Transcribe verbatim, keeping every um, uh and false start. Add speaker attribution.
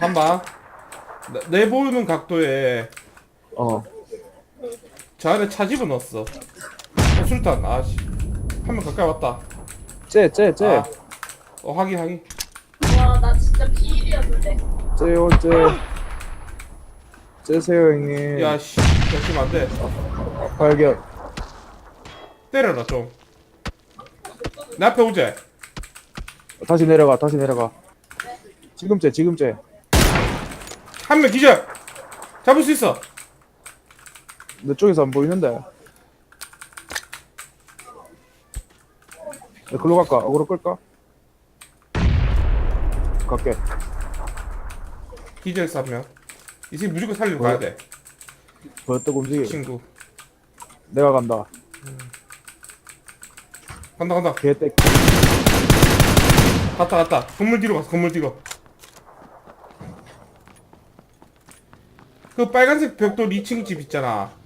Speaker 1: 한방 내 보이는 각도에
Speaker 2: 어.
Speaker 1: 저 안에 차 집어넣었어. 어, 술탄. 아씨, 한 명 가까이 왔다.
Speaker 2: 쟤, 쟤, 쟤.
Speaker 1: 아, 어 확인 확인.
Speaker 3: 와, 나 진짜 비일이었는데.
Speaker 2: 쟤요, 쟤. 쟤세요, 형님.
Speaker 1: 야씨, 잠시만 안돼.
Speaker 2: 발견.
Speaker 1: 때려라 좀. 내 앞에 오제.
Speaker 2: 다시 내려가, 다시 내려가. 지금 쟤, 지금 쟤.
Speaker 1: 한 명 기절. 잡을 수 있어.
Speaker 2: 내 쪽에서 안 보이는데. 야, 글로 갈까? 어그로 끌까? 갈게.
Speaker 1: 기절 한 명. 이 새끼 무조건 살리러
Speaker 2: 뭐?
Speaker 1: 가야 돼.
Speaker 2: 벌떡 움직여.
Speaker 1: 친구.
Speaker 2: 내가 간다.
Speaker 1: 간다 간다.
Speaker 2: 개떼.
Speaker 1: 갔다 갔다. 건물 뒤로 갔어. 건물 뒤로. 그 빨간색 벽돌 이 층 집 있잖아.